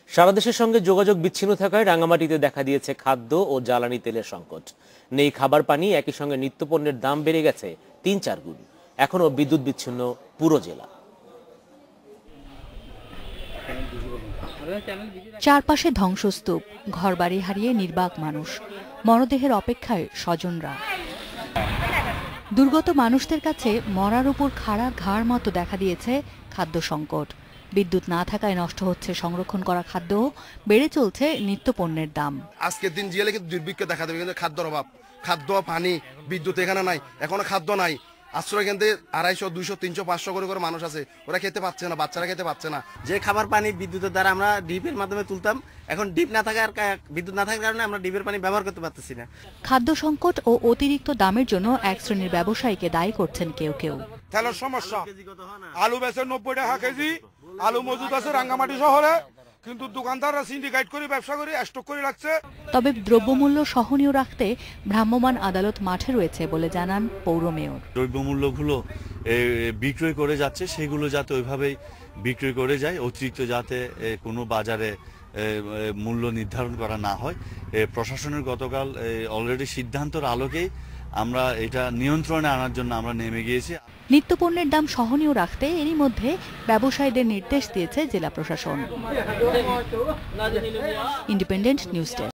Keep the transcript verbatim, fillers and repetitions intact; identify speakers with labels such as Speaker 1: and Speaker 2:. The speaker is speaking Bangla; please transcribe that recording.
Speaker 1: সারা দেশের সঙ্গে যোগাযোগ বিচ্ছিন্ন থাকায় রাঙামাটিতে দেখা দিয়েছে খাদ্য ও জ্বালানি তেলের সংকট। নেই খাবার পানি, একই সঙ্গে নিত্যপণ্যের দাম বেড়ে গেছে তিন চার গুণ। এখনো বিদ্যুৎ বিচ্ছিন্ন পুরো জেলা।
Speaker 2: চারপাশে ধ্বংসস্তূপ, ঘরবাড়ি হারিয়ে নির্বাক মানুষ, মরদেহের অপেক্ষায় স্বজনরা। দুর্গত মানুষদের কাছে মরার উপর খাড়া ঘাড় মতো দেখা দিয়েছে খাদ্য সংকট। বিদ্যুৎ না থাকায় নষ্ট হচ্ছে সংরক্ষণ করা খাদ্য, বেড়ে চলছে নিত্যপণ্যের দাম।
Speaker 3: আজকের দিন জিয়ালে কিন্তু দুর্ভিক্ষ দেখা দেবে, কিন্তু খাদ্যর অভাব, খাদ্য পানি বিদ্যুৎ এখানে নাই, এখনো খাদ্য নাই। আশ্রয় কেন্দ্রে আড়াইশো দুইশো তিনশো পাঁচশো করে করে মানুষ আছে, ওরা খেতে পাচ্ছে না, বাচ্চারা খেতে পাচ্ছে না।
Speaker 4: যে খাবার পানি বিদ্যুতের দ্বারা আমরা ডিপের মাধ্যমে তুলতাম, এখন ডিপ না থাকার বিদ্যুৎ না থাকার কারণে আমরা ডিপের পানি ব্যবহার করতে পারতেছি না।
Speaker 2: খাদ্য সংকট ও অতিরিক্ত দামের জন্য এক শ্রেণীর ব্যবসায়ীকে দায়ী করছেন কেউ কেউ।
Speaker 5: তেলের সমস্যা, আলু বেচে নব্বই টাকা কেজি, আলু মজুদ আছে রাঙ্গামাটি শহরে, কিন্তু দোকানদাররা সিন্ডিকেট করে ব্যবসা করে স্টক করে রাখছে।
Speaker 2: তবে দ্রব্যমূল্য সহনীয় রাখতে ভ্রাম্যমাণ আদালত মাঠে রয়েছে বলে জানান পৌর মেয়র।
Speaker 6: দ্রব্যমূল্যগুলো বিক্রয় করে যাচ্ছে, সেগুলো যাতে ওইভাবেই বিক্রয় করে যায়, অতিরিক্ত যাতে কোনো বাজারে মূল্য নির্ধারণ করা না হয়। প্রশাসনের গতকাল অলরেডি সিদ্ধান্তের আলোকেই আমরা এটা নিয়ন্ত্রণে আনার জন্য আমরা নেমে গিয়েছি।
Speaker 2: নিত্যপণ্যের দাম সহনীয় রাখতে এরই মধ্যে ব্যবসায়ীদের নির্দেশ দিয়েছে জেলা প্রশাসন। Independent news desk.